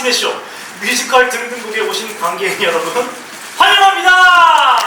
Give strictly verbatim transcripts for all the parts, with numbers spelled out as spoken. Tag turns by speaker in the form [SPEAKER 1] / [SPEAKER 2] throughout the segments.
[SPEAKER 1] 마tinee 쇼 뮤지컬 등등곡에 오신 관객 여러분 환영합니다.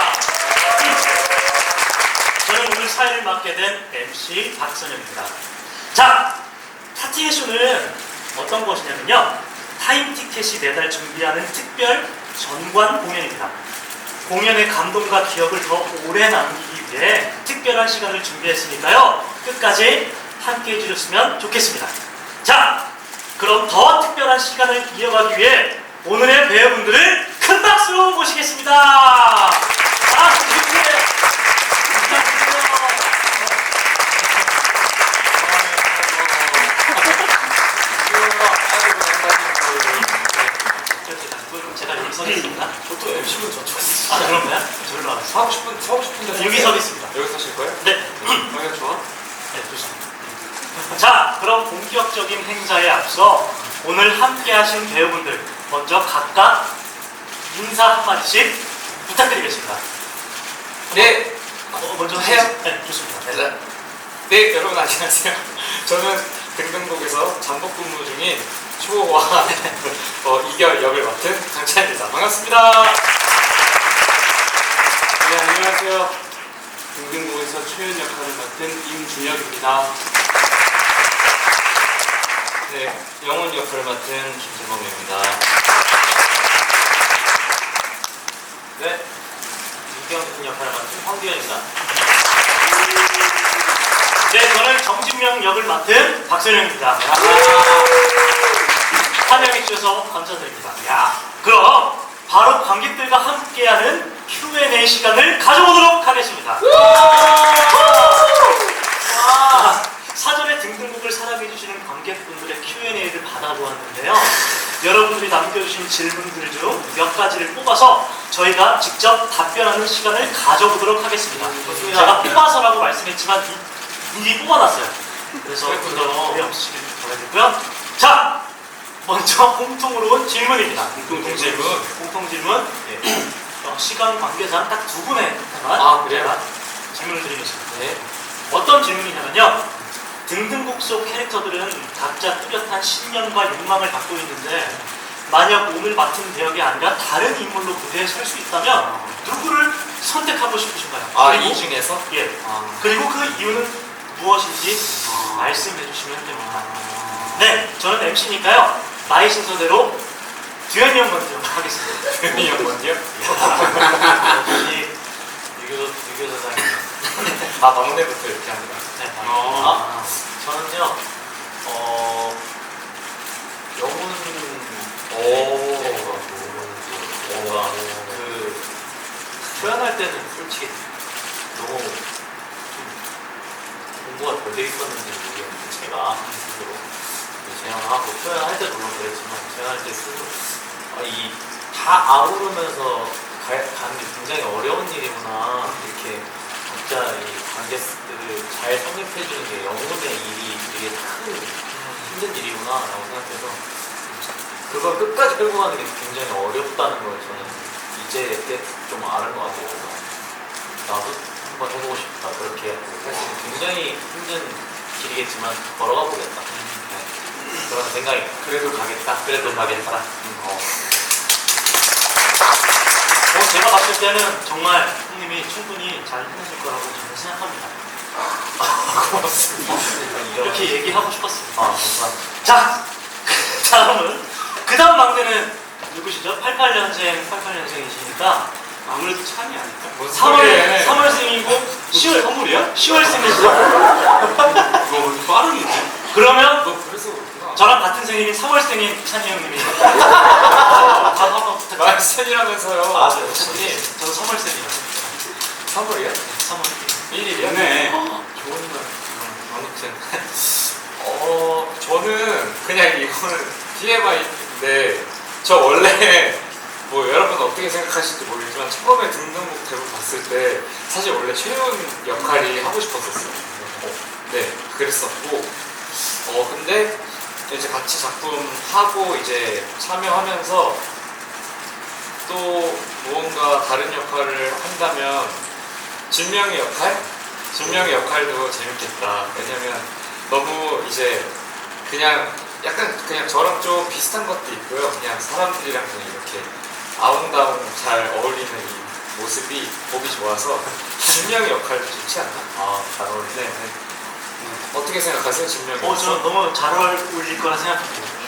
[SPEAKER 1] 저는 오늘 사회를 맡게 된 엠씨 박선영입니다. 자, 마tinee 쇼는 어떤 것이냐면요, 타임티켓이 매달 준비하는 특별 전관 공연입니다. 공연의 감동과 기억을 더 오래 남기기 위해 특별한 시간을 준비했으니까요, 끝까지 함께 해주셨으면 좋겠습니다. 자, 그럼 더 특별한 시간을 이어가기 위해 오늘의 배우분들을 큰 박수로 모시겠습니다. 아, 부탁드려요. 제가 여기 서겠습니다.
[SPEAKER 2] 저도 엠씨분 저쪽.
[SPEAKER 1] 아, 그런가요? 저기로 와서
[SPEAKER 2] 서고 싶은, 서고 싶은데.
[SPEAKER 1] 여기 서겠습니다.
[SPEAKER 2] 여기 서실 거예요?
[SPEAKER 1] 네.
[SPEAKER 2] 방향 좋아?
[SPEAKER 1] 네, 좋습니다. 자, 그럼 본격적인 행사에 앞서 오늘 함께 하신 배우분들 먼저 각각 인사 한마디씩 부탁드리겠습니다.
[SPEAKER 2] 네.
[SPEAKER 1] 어, 먼저
[SPEAKER 2] 해요?
[SPEAKER 1] 네, 좋습니다. 네.
[SPEAKER 2] 네. 네, 여러분 안녕하세요. 저는 등등곡에서 잠복 근무 중인 초호와 어, 이결 역을 맡은 강찬입니다. 반갑습니다.
[SPEAKER 3] 네, 안녕하세요. 등등곡에서 최연 역할을 맡은 임준혁입니다.
[SPEAKER 2] 네, 영훈 역할을 맡은 김재범입니다.
[SPEAKER 1] 네, 이경준 역할을 맡은 황규현입니다. 네, 저는 정진명 역을 맡은 박선영입니다. 환영해주셔서 감사드립니다. 야, 그럼 바로 관객들과 함께하는 큐 앤 에이 시간을 가져보도록 하겠습니다. 아, 사전에 등등곡을 사랑해주시는 관객분들의 큐 앤 에이를 받아보았는데요, 여러분들이 남겨주신 질문들 중 몇 가지를 뽑아서 저희가 직접 답변하는 시간을 가져보도록 하겠습니다. 제가 뽑아서라고 말씀했지만 미리 뽑아놨어요. 그래서 그거 오해 없으시길 바라겠고요. 자, 먼저 공통으로 온 질문입니다.
[SPEAKER 2] 공통 질문.
[SPEAKER 1] 공통 질문. 네. 어, 시간 관계상 딱 두 분에만
[SPEAKER 2] 아, 그래요?
[SPEAKER 1] 제가 질문을 드리겠습니다.
[SPEAKER 2] 네.
[SPEAKER 1] 어떤 질문이냐면요, 등등곡 속 캐릭터들은 각자 뚜렷한 신념과 욕망을 갖고 있는데 만약 오늘 맡은 배역이 아니라 다른 인물로 무대에 설 수 있다면 누구를 선택하고 싶으신가요?
[SPEAKER 2] 아,
[SPEAKER 1] 그리고,
[SPEAKER 2] 이 중에서?
[SPEAKER 1] 예.
[SPEAKER 2] 아.
[SPEAKER 1] 그리고 그 이유는 무엇인지
[SPEAKER 2] 아.
[SPEAKER 1] 말씀해 주시면 됩니다. 네, 저는 엠씨니까요 나의 순서대로 듀현이 형 먼저 하겠습니다.
[SPEAKER 2] 듀현이 형 먼저요?
[SPEAKER 1] 역시 유교, 유교사장님.
[SPEAKER 2] 아, 막내부터 이렇게 합니다.
[SPEAKER 1] 네,
[SPEAKER 2] 어.
[SPEAKER 1] 아, 저는요, 어, 영훈,
[SPEAKER 2] 오.
[SPEAKER 1] 뭔가, 그, 표현할 때는 솔직히 너무 좀 공부가 덜 돼 있었는지 모르겠는데, 제가 스스로 제안하고 표현할 때도 물론 그랬지만, 제안할 때 스스로, 아, 이, 다 아우르면서 가, 가는 게 굉장히 어려운 일이구나, 이렇게 각자 이 관객들을 잘 성립해주는 게 영혼의 일이 되게 큰 힘든 일이구나 라고 생각해서 그걸 끝까지 끌고 가는 게 굉장히 어렵다는 걸 저는 이제 때 좀 아는 것 같아요. 나도 한번 해보고 싶다, 그렇게 사실 굉장히 힘든 길이겠지만 걸어가 보겠다, 네. 그런 생각이.
[SPEAKER 2] 그래도 가겠다.
[SPEAKER 1] 그래도 가겠다.
[SPEAKER 2] 음, 어.
[SPEAKER 1] 어, 제가 봤을 때는 정말 형님이 충분히 잘 해내실 거라고 저는 생각합니다.
[SPEAKER 2] 고맙습니다.
[SPEAKER 1] 이렇게 얘기하고 싶었습니다.
[SPEAKER 2] 아, 감사합니다.
[SPEAKER 1] 자, 다음은 그 다음 막내는 누구시죠? 팔십팔 년생, 팔십팔 년생이시니까
[SPEAKER 3] 아무래도 찬이 아닐까?
[SPEAKER 2] 뭔
[SPEAKER 1] 삼월,
[SPEAKER 2] 소리해.
[SPEAKER 1] 삼월생이고 시월,
[SPEAKER 3] 선물이야?
[SPEAKER 1] 시월생이시죠?
[SPEAKER 3] 이거 왜 빠르게?
[SPEAKER 1] 그러면
[SPEAKER 2] 너 그래서 그렇구나.
[SPEAKER 1] 저랑 같은 생일인 삼월생인 찬이 형님이 밥 한번 부탁드립니다.
[SPEAKER 2] 말씀이라면서요.
[SPEAKER 1] 아, 네, 찬님, 저도 삼월생이에요.
[SPEAKER 2] 선물이야?
[SPEAKER 1] 삼월.
[SPEAKER 2] 일일이야?
[SPEAKER 3] 네.
[SPEAKER 1] 좋은 날.
[SPEAKER 2] 아무튼 어 저는 그냥 이거는 티엠아이인데 저 원래 뭐 여러분 어떻게 생각하실지 모르겠지만 처음에 등등곡 대본 봤을 때 사실 원래 최훈 역할이 하고 싶었었어요. 어, 네, 그랬었고 어 근데 이제 같이 작품 하고 이제 참여하면서 또 무언가 다른 역할을 한다면 진명의 역할? 진명의 역할도 재밌겠다. 왜냐면 너무 이제 그냥 약간 그냥 저랑 좀 비슷한 것도 있고요. 그냥 사람들이랑 그냥 이렇게 아웅다웅 잘 어울리는 이 모습이 보기 좋아서 진명의 역할도 좋지 않나?
[SPEAKER 1] 아, 잘 어울리네.
[SPEAKER 2] 네, 네. 어떻게 생각하세요, 진명이?
[SPEAKER 4] 어, 저는 너무 잘 어울릴 거라 생각합니다.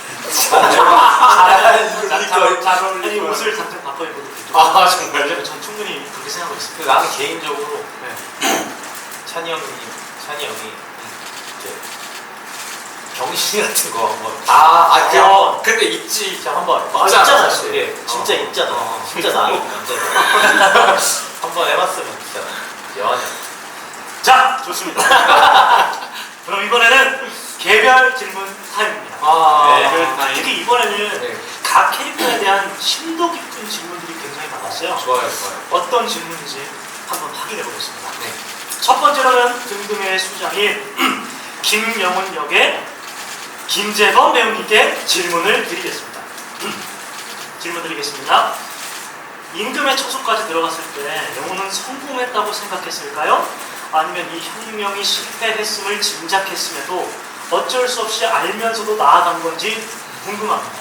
[SPEAKER 1] 잘
[SPEAKER 4] 잘, 잘
[SPEAKER 1] 어울릴
[SPEAKER 4] 아니,
[SPEAKER 1] 거라.
[SPEAKER 4] 옷을 잠깐 바꿔 입어도 되죠.
[SPEAKER 2] 아, 정말요?
[SPEAKER 4] 전 충분히 그렇게 생각하고
[SPEAKER 1] 그
[SPEAKER 4] 있습니다.
[SPEAKER 1] 나는 개인적으로
[SPEAKER 4] 네.
[SPEAKER 1] 찬이 형이 찬이 형이 이제 병신 같은 거 한번
[SPEAKER 2] 아, 아, 그,
[SPEAKER 1] 어.
[SPEAKER 2] 근데 있지.
[SPEAKER 1] 진짜 한번
[SPEAKER 2] 있잖아,
[SPEAKER 1] 있잖아,
[SPEAKER 2] 사실.
[SPEAKER 1] 예, 진짜
[SPEAKER 2] 어.
[SPEAKER 1] 있잖아.
[SPEAKER 2] 어.
[SPEAKER 1] 진짜 나는 남자잖아. 한번 해봤으면 진짜 여하냐.
[SPEAKER 4] 자, 좋습니다. 그럼 이번에는 개별 질문 타임입니다.
[SPEAKER 2] 아,
[SPEAKER 1] 네.
[SPEAKER 4] 그, 특히 이번에는
[SPEAKER 2] 네.
[SPEAKER 4] 각 캐릭터에 대한 심도 깊은 질문들이 굉장히 많았어요.
[SPEAKER 2] 좋아요, 좋아요.
[SPEAKER 4] 어떤 질문인지 한번 확인해 보겠습니다.
[SPEAKER 2] 네.
[SPEAKER 4] 첫 번째로는 등등의 수장인 김영훈 역의 김재범 배우님께 질문을 드리겠습니다. 질문 드리겠습니다. 임금의 처소까지 들어갔을 때 영훈은 성공했다고 생각했을까요? 아니면 이 혁명이 실패했음을 짐작했음에도 어쩔 수 없이 알면서도 나아간 건지 궁금합니다.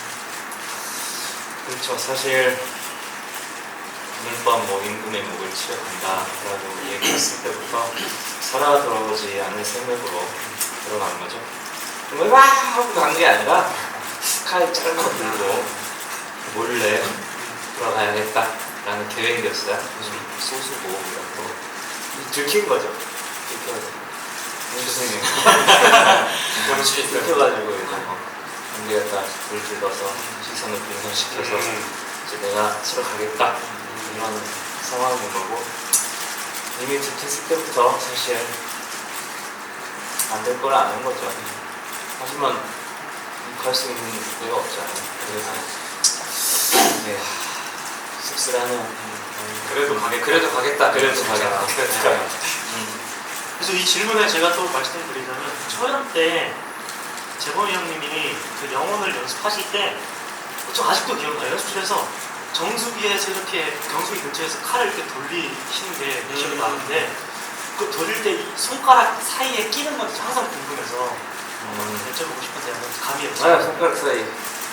[SPEAKER 5] 그렇죠. 사실 오늘 밤 뭐 임금의 목을 치러 간다라고 얘기했을 때부터 살아 돌아오지 않을 생각으로 들어간 거죠. 정말 와 하고 간 게 아니라 칼 짧고 들고 몰래 돌아가야겠다라는 계획이었어요. 소수고 이렇고
[SPEAKER 1] 들킨 거죠.
[SPEAKER 5] 들켜가지고 선생님
[SPEAKER 2] 병신이 있어요.
[SPEAKER 5] 들켜가지고 이제 안 되겠다 불 들어서 시선을 분산시켜서 이제 내가 치러 가겠다 이런 상황인 거고 이미 들켰을 때부터 사실 안 될 걸 아는 거죠. 하지만 갈 수 있는 데가 없잖아요. 그래서 네, 씁쓸하네요. 음,
[SPEAKER 2] 그래도 가겠, 그래도 가겠다.
[SPEAKER 5] 그래도
[SPEAKER 2] 진짜.
[SPEAKER 5] 가겠다.
[SPEAKER 2] 그래도
[SPEAKER 5] 네.
[SPEAKER 2] 가겠다.
[SPEAKER 5] 음.
[SPEAKER 4] 그래서 이 질문에 제가 또 말씀을 드리자면 초연 때 재범이 형님이 그 영혼을 연습하실 때 저 아직도 기억나요. 연습실에서 정수기에서 이렇게 경수기 근처에서 칼을 이렇게 돌리시는 게 기억이
[SPEAKER 2] 음.
[SPEAKER 4] 나는데 그 돌릴 때 이 손가락 사이에 끼는 건지 항상 궁금해서
[SPEAKER 5] 음.
[SPEAKER 4] 여쭤보고 싶은데 한번 감이
[SPEAKER 5] 아,
[SPEAKER 4] 없어요.
[SPEAKER 5] 손가락 사이.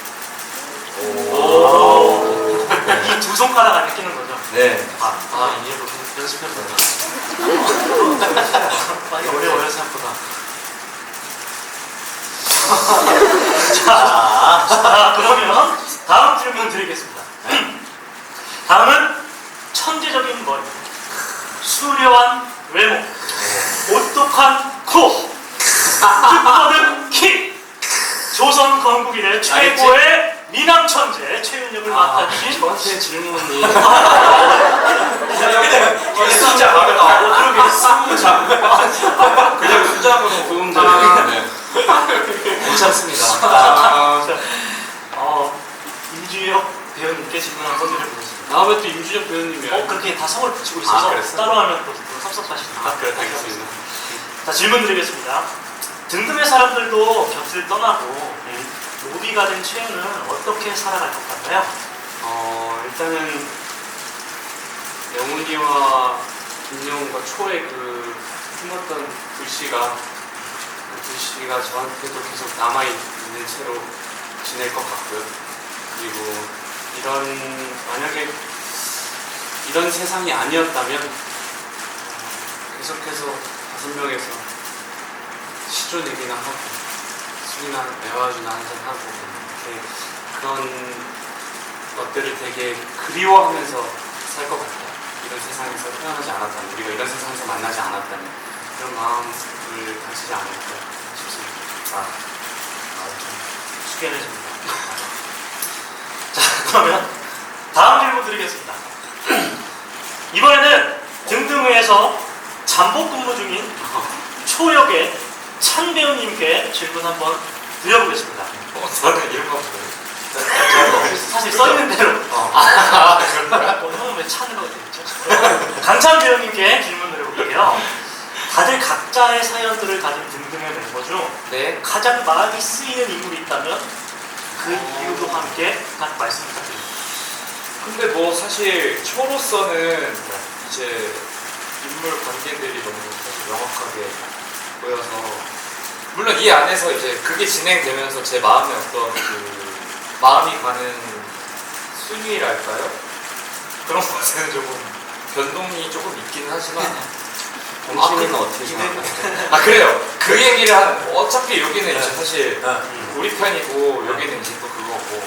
[SPEAKER 4] 오. 이 두 손가락 안에 끼는 거죠.
[SPEAKER 5] 네.
[SPEAKER 4] 아, 아 이해로 연습해보자. 많이 어려워요 생각보다. 자, 자, 그러면 다음 질문 드리겠습니다. 다음은 천재적인 머리, 수려한 외모, 오똑한 코, 뜻거든 키, 조선 건국일의 최고의 미남 천재 최윤혁을 맡아주신
[SPEAKER 5] 저한테 질문이.
[SPEAKER 1] 진짜 말이다.
[SPEAKER 4] 어, 그러게
[SPEAKER 3] 숫자. 그냥 숫자로 도움
[SPEAKER 2] 아,
[SPEAKER 3] 되는.
[SPEAKER 5] 괜찮습니다.
[SPEAKER 3] 아,
[SPEAKER 4] 어, 임주혁 배우님께 질문 한번 드려보겠습니다.
[SPEAKER 3] 다음에 또 임준혁 배우님이.
[SPEAKER 4] 어, 그렇게 다 성을 붙이고 있어서
[SPEAKER 1] 아, 그랬어요?
[SPEAKER 4] 따로 하면 또 섭섭하시니까.
[SPEAKER 3] 아, 그래, 알겠습니다.
[SPEAKER 4] 자, 질문 드리겠습니다. 등등의 사람들도 곁을 떠나고 노비가 된 최윤은 어떻게 살아갈 것 같나요?
[SPEAKER 3] 어, 일단은 영훈이와 김영훈과 초의 그 품었던 불씨가 그 불씨가 저한테도 계속 남아있는 채로 지낼 것 같고요. 그리고 이런 만약에 이런 세상이 아니었다면 계속해서 다섯 명에서 시조 내기나 하고 술이나 매화주나 한잔하고 이렇게 그런 것들을 되게 그리워하면서 살 것 같아요. 이런 세상에서 태어나지 않았다면, 우리가 이런 세상에서 만나지 않았다면 그런 마음을 가지지 않을까 싶습니다.
[SPEAKER 4] 아, 아, 좀 숙연해집니다. 자, 그러면 다음 질문 드리겠습니다. 이번에는 등등회에서 잠복 근무 중인 초역의 찬 배우님께 질문 한번 드려보겠습니다.
[SPEAKER 2] 어, 저는 이런 거 없어요.
[SPEAKER 4] 사실 써있는 대로.
[SPEAKER 2] 아, 그런가요?
[SPEAKER 4] 어, 형은 왜 찬으로 되겠죠? 강찬 배우님께 질문을 해볼게요. 다들 각자의 사연들을 가진 등등의 멤버 중
[SPEAKER 2] 네.
[SPEAKER 4] 가장 마음이 쓰이는 인물이 있다면 그 이유도 함께 각 말씀 부탁드립니다.
[SPEAKER 2] 근데 뭐 사실 초로서는 이제 인물 관계들이 너무 사실 명확하게 보여서 물론 이 안에서 이제 그게 진행되면서 제 마음에 어떤 그 마음이 가는 순위랄까요? 그런 것에는 조금 변동이 조금 있기는 하지만
[SPEAKER 5] 당신은
[SPEAKER 2] 아, 그-
[SPEAKER 5] 어떻게 생각하세요?
[SPEAKER 2] 아 그래요. 그 얘기를 한 어차피 여기는 이제 사실
[SPEAKER 1] 네.
[SPEAKER 2] 우리 편이고 여기는 이제 또 그거고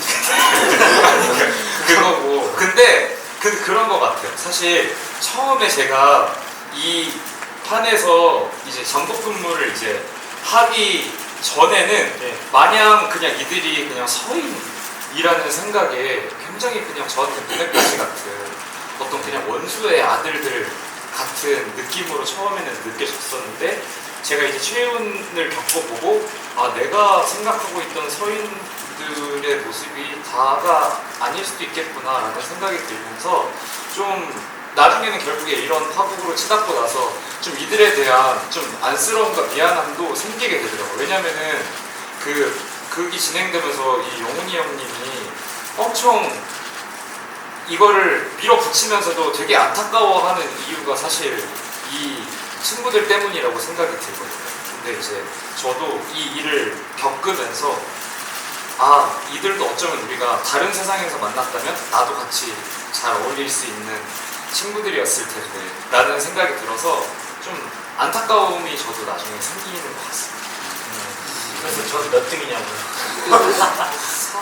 [SPEAKER 2] 그거고 근데 그 그런 거 같아요. 사실 처음에 제가 이 판에서 이제 전국 근무를 이제 하기 전에는
[SPEAKER 4] 네.
[SPEAKER 2] 마냥 그냥 이들이 그냥 서인이라는 생각에 굉장히 그냥 저한테 눈엣가시 같은 어떤 그냥 원수의 아들들 같은 느낌으로 처음에는 느껴졌었는데 제가 이제 최윤을 겪어보고 아 내가 생각하고 있던 서인들의 모습이 다가 아닐 수도 있겠구나라는 생각이 들면서 좀 나중에는 결국에 이런 파국으로 치닫고 나서 좀 이들에 대한 좀 안쓰러움과 미안함도 생기게 되더라고요. 왜냐면은 그 극이 진행되면서 이 영훈이 형님이 엄청 이거를 밀어붙이면서도 되게 안타까워하는 이유가 사실 이 친구들 때문이라고 생각이 들거든요. 근데 이제 저도 이 일을 겪으면서 아 이들도 어쩌면 우리가 다른 세상에서 만났다면 나도 같이 잘 어울릴 수 있는 친구들이었을 텐데 라는 생각이 들어서 좀 안타까움이 저도 나중에 생기는 것 같습니다.
[SPEAKER 1] 그래서 저는 몇 등이냐고요.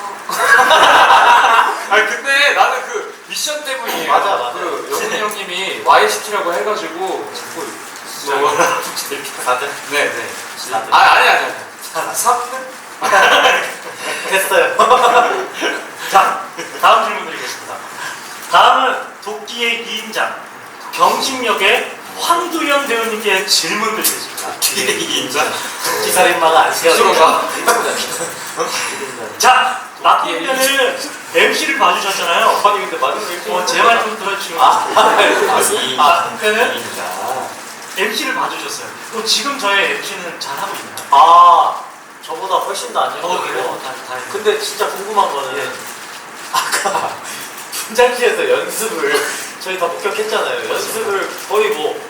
[SPEAKER 2] 아니 근데 나는 그 미션 때문이에요.
[SPEAKER 1] 맞아, 맞아.
[SPEAKER 2] 그 영훈이 형님이 와이 시키라고 해가지고 자꾸 뭐
[SPEAKER 1] 다들
[SPEAKER 2] 네네.
[SPEAKER 1] 다들
[SPEAKER 2] 아 아니 아니 아니. 삼 등?
[SPEAKER 1] 됐어요.
[SPEAKER 4] 자, 다음 질문 드리겠습니다. 다음은 도끼의 이인장 경심역의 황두현 배우님께 질문 드리겠습니다.
[SPEAKER 2] 인자.
[SPEAKER 1] 기살인마가 안
[SPEAKER 2] 스스로가
[SPEAKER 4] 자, 낙동편을 엠씨를 봐주셨잖아요.
[SPEAKER 1] 아니 근데 마지막에
[SPEAKER 4] 어, 제 말 좀 들어주시면
[SPEAKER 1] 아,
[SPEAKER 4] 낙동편은
[SPEAKER 5] 입니다.
[SPEAKER 4] 엠씨를 봐주셨어요. 그럼 지금 저의 엠씨는 잘하고 있나요?
[SPEAKER 1] 아 저보다 훨씬 더안
[SPEAKER 4] 어,
[SPEAKER 1] 연구해요.
[SPEAKER 4] 그래요? 다, 다행이네요.
[SPEAKER 1] 근데 진짜 궁금한 거는
[SPEAKER 4] 예.
[SPEAKER 1] 아까 분장실에서 연습을 저희 다 목격했잖아요. 연습을 거의 뭐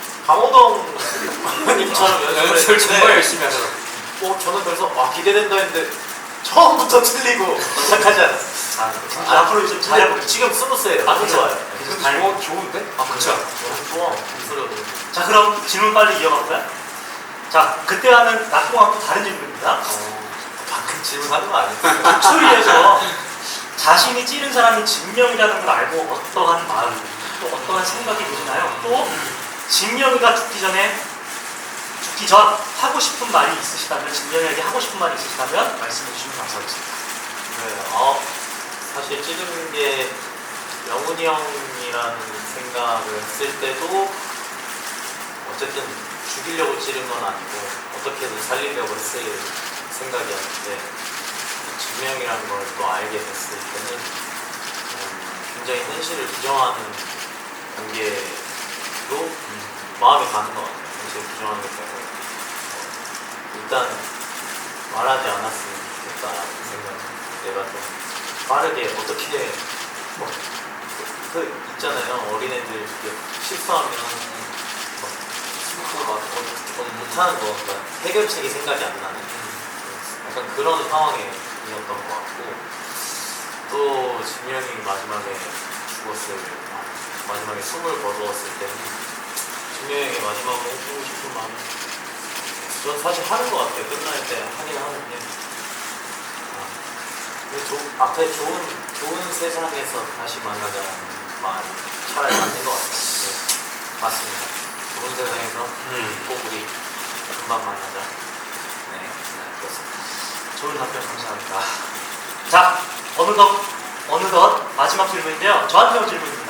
[SPEAKER 1] 강호동님처럼 연습을
[SPEAKER 2] 연습을
[SPEAKER 1] 했는데
[SPEAKER 2] 정말 열심히 하더라고.
[SPEAKER 1] 어, 저는 그래서 아 기대된다 했는데 처음부터 틀리고 시작하지 않았어요.
[SPEAKER 4] 아, 아, 앞으로 좀 잘해볼게요.
[SPEAKER 1] 아니, 지금 스무스예요.
[SPEAKER 4] 아,
[SPEAKER 1] 너무
[SPEAKER 4] 그쵸.
[SPEAKER 1] 좋아요.
[SPEAKER 4] 그래서 다행이에요.
[SPEAKER 2] 어, 좋은데?
[SPEAKER 1] 아 그쵸. 너무 좋아. 목소리가 너무.
[SPEAKER 4] 자, 그럼 질문 빨리 이어갈까요? 자, 그때와는 낙동하고 다른 질문입니다.
[SPEAKER 1] 어, 방금 질문하는 거 아니에요?
[SPEAKER 4] 목소리에서 자신이 찌른 사람이 진명이라는 걸 알고 어떠한 마음, 또 어떠한 생각이 드시나요? 또 진명이가 죽기 전에 죽기 전 하고 싶은 말이 있으시다면, 진명이에게 하고 싶은 말이 있으시다면 말씀해 주시면 감사하겠습니다.
[SPEAKER 1] 네, 어, 사실 찌르는 게 영훈이 형이라는 생각을 했을 때도 어쨌든 죽이려고 찌른 건 아니고 어떻게든 살리려고 했을 생각이었는데 진명이라는 걸 또 알게 됐을 때는 음, 굉장히 현실을 부정하는 관계로 음, 마음이 가는 것 같아요. 현실을 부정하는 것 같아요. 어, 일단 말하지 않았으면 좋겠다라는 생각은 내가 좀 빠르게 어떻게 뭐, 그 있잖아요. 어린애들 이렇게 실수하면 막 숨고 막 어, 어, 못하는 거 그러니까 해결책이 생각이 안 나는 약간 그런 상황이었던 것 같고 또 진명이 마지막에 죽었을 마지막에 숨을 거두었을 때는 진명에게 마지막으로 해주고 싶은 마음이 전 사실 하는 것 같아요. 끝날 때 하긴 하는데 아, 근데 조, 앞에 좋은 좋은 세상에서 다시 만나자는 마음이 차라리 맞는 것 같아요. 네, 맞습니다. 좋은 세상에서
[SPEAKER 4] 음.
[SPEAKER 1] 꼭 우리 금방 만나자. 네, 네 그렇습니다.
[SPEAKER 4] 좋은 답변 감사합니다. 자, 어느덧, 어느덧 마지막 질문인데요. 저한테 온 질문입니다.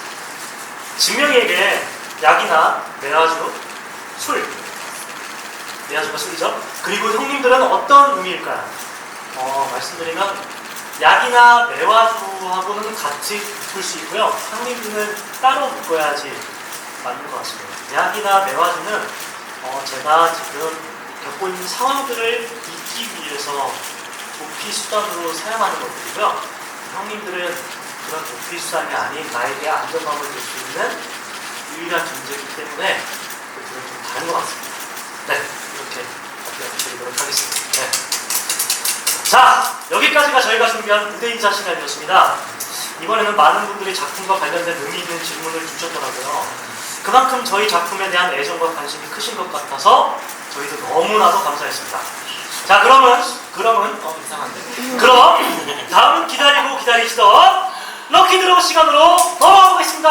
[SPEAKER 4] 진명이에게 약이나 매화주, 술, 매화주가 술이죠. 그리고 형님들은 어떤 의미일까요? 어, 말씀드리면 약이나 매화주하고는 같이 묶을 수 있고요. 형님들은 따로 묶어야지 맞는 것 같습니다. 약이나 매화주는 어, 제가 지금 겪고 있는 상황들을 잊기 위해서 도피 수단으로 사용하는 것들이고요. 형님들은 그런 도피 수단이 아닌 나에게 안정감을 줄 수 있는 유일한 존재이기 때문에 그들은 좀 다른 것 같습니다. 네, 이렇게 드리도록 하겠습니다. 네. 자, 여기까지가 저희가 준비한 무대 인사 시간이었습니다. 이번에는 많은 분들이 작품과 관련된 의미 있는 질문을 주셨더라고요. 그만큼 저희 작품에 대한 애정과 관심이 크신 것 같아서 저희도 너무나도 감사했습니다. 자, 그러면 그러면
[SPEAKER 1] 어 이상한데.
[SPEAKER 4] 그럼 다음 기다리고 기다리시던 럭키 드로우 시간으로 돌아오겠습니다.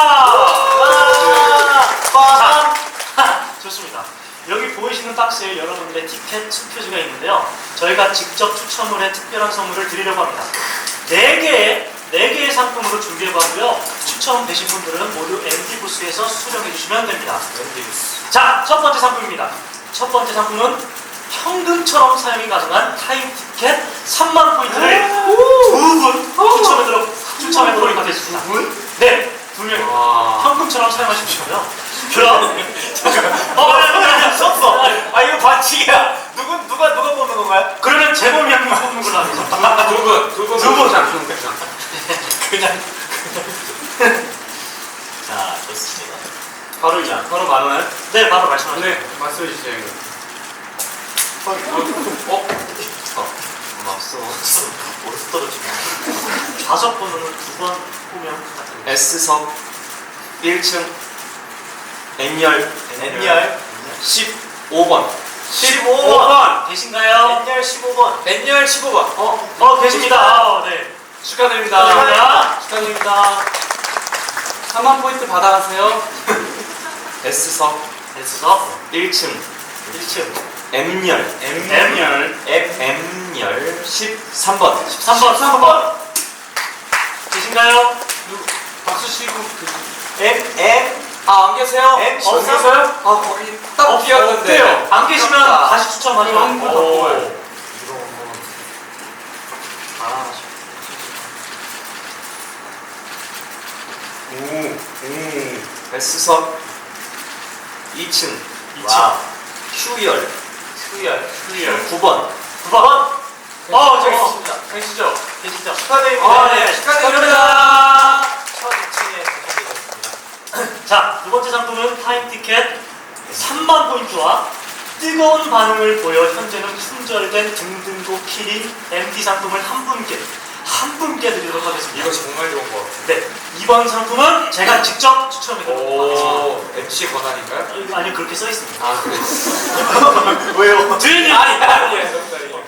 [SPEAKER 4] 와! 자, 좋습니다. 여기 보이시는 박스에 여러분들의 티켓 투표지가 있는데요. 저희가 직접 추첨을 해 특별한 선물을 드리려고 합니다. 네 개의 네 개의 상품으로 준비해봤고요. 추첨되신 분들은 모두 엠디 부스에서 수령해 주시면 됩니다.
[SPEAKER 1] 엠디 부스.
[SPEAKER 4] 자, 첫 번째 상품입니다. 첫 번째 상품은 현금처럼 사용이 가능한 타임 티켓 삼만 포인트를 두 분 추첨해도록 추첨해도록 하겠습니다.
[SPEAKER 3] 두 분?
[SPEAKER 4] 네, 두 명.
[SPEAKER 3] 와.
[SPEAKER 4] 현금처럼 사용하십시오요. 그럼 어, 아니,
[SPEAKER 1] 썼어. 아 이거 반칙이야. 누구 누가 누가 뽑는 건가요?
[SPEAKER 4] 그러면 재범이 형님 뽑는 걸로 하겠습니다.
[SPEAKER 3] 두 분, 두 분,
[SPEAKER 4] 두 분.
[SPEAKER 3] 자, 그럼 그냥.
[SPEAKER 1] 그냥. 자 좋습니다.
[SPEAKER 3] 바로 이 바로 많아요?
[SPEAKER 4] 네, 바로 말씀하세요.
[SPEAKER 3] 네, 말씀해 주세요. 이거.
[SPEAKER 1] 어?
[SPEAKER 3] 어?
[SPEAKER 1] 없어 없어. 어디서 떨어지냐?
[SPEAKER 4] 좌석 번호는 두 번 보면 부탁드립니다.
[SPEAKER 5] S석 일 층 N열
[SPEAKER 1] N열
[SPEAKER 5] 십오 번.
[SPEAKER 1] 십오
[SPEAKER 4] 오
[SPEAKER 1] 번.
[SPEAKER 4] 번 계신가요?
[SPEAKER 1] N열 십오 번.
[SPEAKER 2] N열 십오 번.
[SPEAKER 4] 어, 어 계십니다. 아, 네.
[SPEAKER 3] 축하드립니다.
[SPEAKER 4] 축하드립니다.
[SPEAKER 3] 축하드립니다. 삼만 포인트 받아가세요.
[SPEAKER 5] S석
[SPEAKER 4] S석
[SPEAKER 5] 일 층
[SPEAKER 4] 일 층
[SPEAKER 5] M열
[SPEAKER 4] M열
[SPEAKER 5] M열 십삼 번.
[SPEAKER 4] 십삼 번 십삼 번 계신가요?
[SPEAKER 3] 박수 치고 그
[SPEAKER 1] M M
[SPEAKER 2] 아, 안 계세요?
[SPEAKER 1] M
[SPEAKER 2] 안 계세요? 아, 거기 딱
[SPEAKER 3] 어,
[SPEAKER 2] 비었는데.
[SPEAKER 3] 없대요.
[SPEAKER 4] 안 계시면
[SPEAKER 2] 아깝다.
[SPEAKER 4] 다시 추첨하죠.
[SPEAKER 3] 그럼 한분 더
[SPEAKER 4] 오.
[SPEAKER 3] 뽑아요.
[SPEAKER 4] 이런 아,
[SPEAKER 5] 오, 오. S석 이 층
[SPEAKER 4] 이 층
[SPEAKER 1] 와우.
[SPEAKER 5] Q열
[SPEAKER 1] 수열.
[SPEAKER 3] 클리어.
[SPEAKER 5] 구 번.
[SPEAKER 4] 구 번. 어, 저기
[SPEAKER 1] 어.
[SPEAKER 4] 있습니다.
[SPEAKER 3] 계시죠?
[SPEAKER 1] 계시죠? 축하드립니다.
[SPEAKER 4] 아, 네.
[SPEAKER 3] 축하드립니다.
[SPEAKER 1] 첫 이 층에 당첨되셨습니다.
[SPEAKER 4] 자, 두 번째 상품은 타임 티켓 삼만 포인트와 뜨거운 반응을 보여 현재는 품절된 등등고 키링 엠디 상품을 한 분께 한 분께 드리도록 하겠습니다.
[SPEAKER 2] 이거 정말 좋은 거 같아요.
[SPEAKER 4] 네, 이번 상품은 제가 직접 추첨해드리도록 하겠습니다.
[SPEAKER 2] 오, 엠씨 권한인가요?
[SPEAKER 4] 어, 이거 아니 그렇게 써 있습니다.
[SPEAKER 2] 아, 그래.
[SPEAKER 1] 왜요?
[SPEAKER 4] 드리님
[SPEAKER 2] 아니, 아니에요. 농담이에요.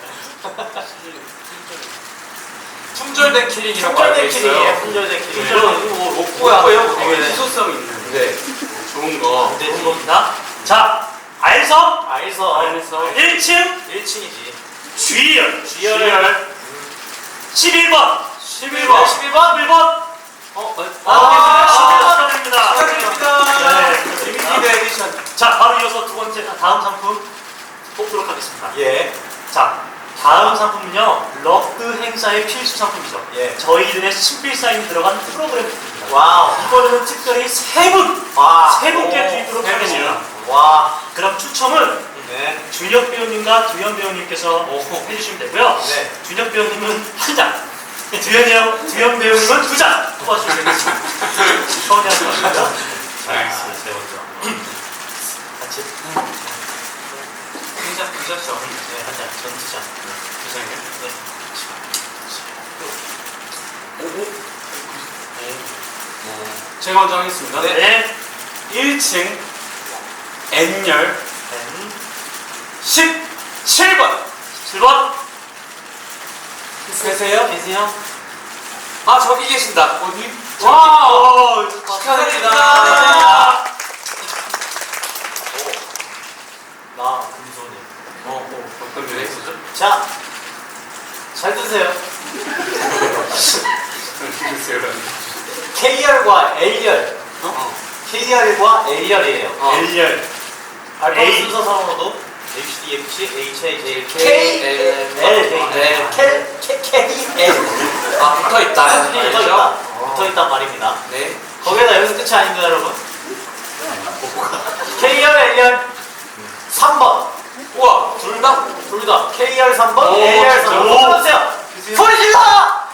[SPEAKER 2] 품절된 키링이라고 알고
[SPEAKER 1] 품절된
[SPEAKER 2] 있어요.
[SPEAKER 1] 키링이에요. 품절된 키링.
[SPEAKER 4] 품절된
[SPEAKER 1] 이거 뭐 로고야.
[SPEAKER 2] 로고예요?
[SPEAKER 3] 되게
[SPEAKER 1] 네.
[SPEAKER 3] 희소성 있는
[SPEAKER 2] 네.
[SPEAKER 3] 좋은 거.
[SPEAKER 1] 안
[SPEAKER 4] 좋은
[SPEAKER 1] 되지.
[SPEAKER 4] 겁니다. 자, 알석
[SPEAKER 1] 알서.
[SPEAKER 3] 알서.
[SPEAKER 4] 일 층
[SPEAKER 1] 일 층이지.
[SPEAKER 4] G열
[SPEAKER 1] G열.
[SPEAKER 4] 십일 번
[SPEAKER 1] 십일 번. 십일 번.
[SPEAKER 4] 십일 번
[SPEAKER 1] 어?
[SPEAKER 4] 아,
[SPEAKER 1] 아,
[SPEAKER 4] 축하드립니다.
[SPEAKER 2] 축하드립니다.
[SPEAKER 4] 네,
[SPEAKER 2] 리미티드
[SPEAKER 4] 축하드립니다.
[SPEAKER 2] 에디션.
[SPEAKER 4] 자, 바로 이어서 두 번째 다음 상품 뽑도록 하겠습니다.
[SPEAKER 1] 예.
[SPEAKER 4] 자, 다음 상품은요 럭드 행사의 필수 상품이죠.
[SPEAKER 1] 예.
[SPEAKER 4] 저희들의 친필 사인이 들어간 프로그램 쿠키입니다.
[SPEAKER 1] 와우.
[SPEAKER 4] 이번에는 특별히 세 분,
[SPEAKER 1] 와.
[SPEAKER 4] 세 분께
[SPEAKER 1] 오,
[SPEAKER 4] 드리도록
[SPEAKER 1] 세 분.
[SPEAKER 4] 하겠습니다.
[SPEAKER 1] 와.
[SPEAKER 4] 그럼 추첨은
[SPEAKER 1] 네.
[SPEAKER 4] 준혁 배우님과 두현 배우님께서 해주시면 되고요.
[SPEAKER 1] 네.
[SPEAKER 4] 준혁 배우님은 한 장, 두현이 형, 두현 배우님은 두 장 뽑아주시면 되겠습니다. 서운해 하지 마시고요. 자,
[SPEAKER 1] 알겠습니다.
[SPEAKER 4] 세 번째. 같이.
[SPEAKER 1] 진짜 부셨죠.
[SPEAKER 4] 네, 한 장, 전 두 장. 두 장이요? 네.
[SPEAKER 3] 제가 먼저 하겠습니다.
[SPEAKER 1] 네.
[SPEAKER 4] 네.
[SPEAKER 3] 일 층 N열
[SPEAKER 4] N
[SPEAKER 3] 십칠 번.
[SPEAKER 4] 십칠 번.
[SPEAKER 3] 계세요?
[SPEAKER 4] 계세요?
[SPEAKER 2] 아, 저기 계신다.
[SPEAKER 3] 어디?
[SPEAKER 4] 와우!
[SPEAKER 2] 축하드립니다.
[SPEAKER 1] 나 금손이.
[SPEAKER 3] 어, 어, 어떤 게 있었죠?
[SPEAKER 1] 자. 잘 드세요.
[SPEAKER 3] 글쎄요.
[SPEAKER 1] K열과 L열.
[SPEAKER 3] 어?
[SPEAKER 1] K열과 L열이에요.
[SPEAKER 3] 어.
[SPEAKER 4] L열.
[SPEAKER 1] 알파
[SPEAKER 4] A.
[SPEAKER 1] 순서상으로도 A, B, C, D, F, G, H, I, J, K,
[SPEAKER 2] K,
[SPEAKER 1] L,
[SPEAKER 2] L,
[SPEAKER 1] L,
[SPEAKER 2] L.
[SPEAKER 1] K, K, K, L.
[SPEAKER 2] 아, 붙어 있다.
[SPEAKER 1] 붙어 있다. 붙어 있단 말입니다.
[SPEAKER 2] 네.
[SPEAKER 1] 거기에다 여기서 끝이 아닙니다, 여러분. K열, L열 삼 번.
[SPEAKER 2] 우와, 둘 다?
[SPEAKER 1] 둘 다. K열 삼 번,
[SPEAKER 3] 오,
[SPEAKER 1] L열 삼 번.
[SPEAKER 4] 오.
[SPEAKER 1] 뽑아주세요. 소리 질러!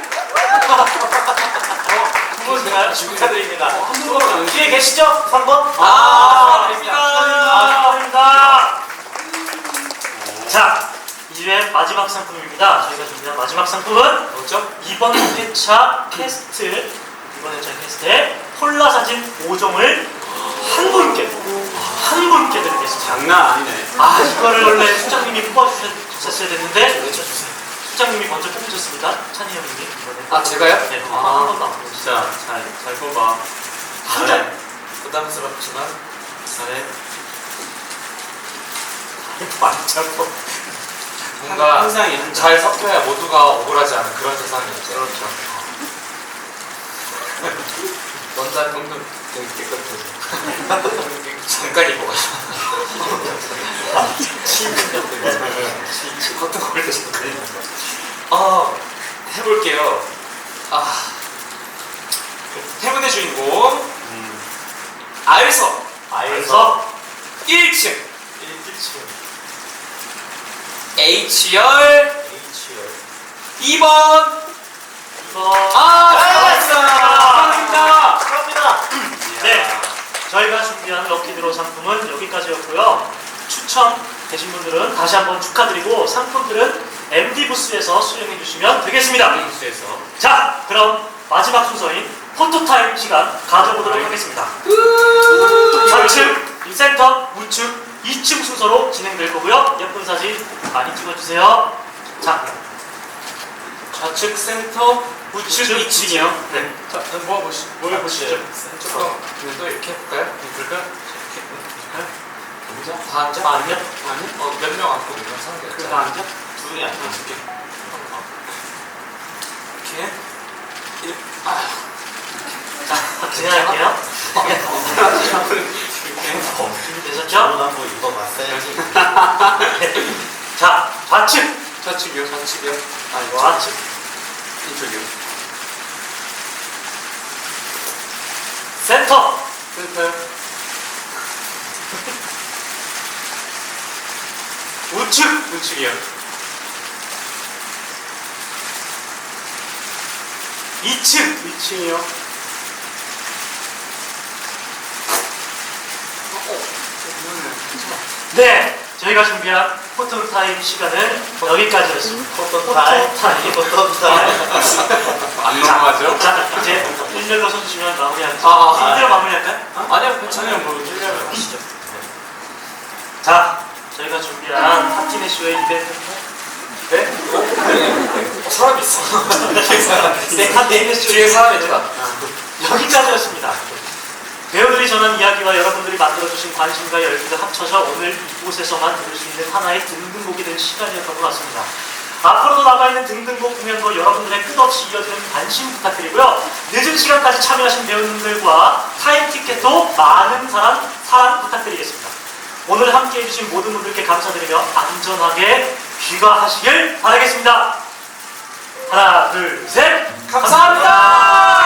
[SPEAKER 4] 누구신가요?
[SPEAKER 1] 축하드립니다.
[SPEAKER 3] 한두 번은 안
[SPEAKER 1] 뒤에 계시죠? 삼 번?
[SPEAKER 2] 아,
[SPEAKER 1] 축하드립니다.
[SPEAKER 2] 축하드립니다.
[SPEAKER 4] 축하드립니다. 자, 이 회 마지막 상품입니다. 저희가 준비한 마지막 상품은
[SPEAKER 2] 뭐죠?
[SPEAKER 4] 이번 회차 캐스트, 이번 회차 캐스트에 콜라 사진 오 종을 한 분께, 한 분께 드리겠습니다.
[SPEAKER 3] 장난 아니네.
[SPEAKER 4] 아, 이거를 원래 수장님이 뽑아주셨어야 됐는데, 수장님이 먼저 뽑으셨습니다. 찬이 형님이. 이번에.
[SPEAKER 2] 아, 제가요?
[SPEAKER 4] 네, 한
[SPEAKER 3] 아,
[SPEAKER 4] 번도 안 뽑으셨어요.
[SPEAKER 3] 진짜 잘, 잘 뽑아.
[SPEAKER 4] 한 잔.
[SPEAKER 2] 부담스럽지만
[SPEAKER 3] 잘해.
[SPEAKER 4] 완전 뽑
[SPEAKER 2] 뭔가
[SPEAKER 3] 항상 한 잔.
[SPEAKER 2] 잘 섞여야 모두가 억울하지 않은 그런 세상이었죠.
[SPEAKER 3] 그렇죠.
[SPEAKER 2] 원단 동동 되게 깨끗해서 잠깐 입어가지고 커튼 걸때 잠깐 입어가지고 아 해볼게요. 아 해븐의 주인공
[SPEAKER 3] 음.
[SPEAKER 2] 아일석
[SPEAKER 1] 아에서
[SPEAKER 2] 일 층
[SPEAKER 1] 일 층
[SPEAKER 2] H열
[SPEAKER 1] H열
[SPEAKER 2] 이 번
[SPEAKER 4] 이거.
[SPEAKER 2] 아
[SPEAKER 4] 잘했습니다.
[SPEAKER 2] 축하드립니다.
[SPEAKER 1] 축하합니다.
[SPEAKER 4] 네. 저희가 준비한 럭키드로 상품은 여기까지였고요. 추첨되신 분들은 다시 한번 축하드리고 상품들은 엠디 부스에서 수령해 주시면 되겠습니다.
[SPEAKER 3] 뉴스에서.
[SPEAKER 4] 자, 그럼 마지막 순서인 포토타임 시간 가져보도록 하겠습니다. 좌측, 센터, 우측, 이 층 순서로 진행될 거고요. 예쁜 사진 많이 찍어주세요. 자,
[SPEAKER 2] 좌측 센터
[SPEAKER 4] 우측,
[SPEAKER 2] 우측
[SPEAKER 4] 이 층이요. 네.
[SPEAKER 2] 자, 뭐 보시, 뭘 보시죠? 조금 또 이렇게 해볼까요? 이렇게
[SPEAKER 3] 앉아?
[SPEAKER 2] 다 앉아?
[SPEAKER 4] 아, 아니요?
[SPEAKER 3] 아니?
[SPEAKER 2] 어, 몇 명 앉고 있는 상태.
[SPEAKER 3] 그래, 다 앉아?
[SPEAKER 1] 두 분이 아니고 두 개.
[SPEAKER 2] 이렇게. 일, 아,
[SPEAKER 4] 자, 진행할게요. 준비되셨죠?
[SPEAKER 1] 저는 한번 입어봤어야지.
[SPEAKER 4] 자, 좌측,
[SPEAKER 2] 좌측이요, 좌측이요. 아, 이거
[SPEAKER 4] 좌측,
[SPEAKER 2] 이쪽이요.
[SPEAKER 4] 센터,
[SPEAKER 2] 센터요.
[SPEAKER 4] 우측,
[SPEAKER 2] 우측이요.
[SPEAKER 4] 이 층,
[SPEAKER 3] 이 층이요.
[SPEAKER 4] 네, 저희가 준비한 포토타임 시간은 여기까지였습니다.
[SPEAKER 1] 포토타임.
[SPEAKER 4] 포토타임.
[SPEAKER 1] 포토타임.
[SPEAKER 2] 안 넘어가죠?
[SPEAKER 4] 자, 이제 일렬로 서주시면 마무리하겠습니다.
[SPEAKER 2] 아, 아,
[SPEAKER 4] 일렬로 마무리할까요?
[SPEAKER 2] 아니요, 괜찮아요. 뭐,
[SPEAKER 1] 찔려요. 아시죠?
[SPEAKER 4] 자, 저희가 준비한 파티네쇼의 이벤트.
[SPEAKER 2] 네? 어, 사람 있어.
[SPEAKER 4] 네, 파티네쇼
[SPEAKER 2] 뒤에 사람 있다.
[SPEAKER 4] 여기까지였습니다. 배우들이 전한 이야기와 여러분들이 만들어주신 관심과 열기가 합쳐져 오늘 이곳에서만 들을 수 있는 하나의 등등곡이 된 시간이었던 것 같습니다. 앞으로도 남아있는 등등곡 공연도 여러분들의 끝없이 이어지는 관심 부탁드리고요. 늦은 시간까지 참여하신 배우님들과 타임 티켓도 많은 사랑, 사랑 부탁드리겠습니다. 오늘 함께 해주신 모든 분들께 감사드리며 안전하게 귀가하시길 바라겠습니다. 하나, 둘, 셋! 감사합니다!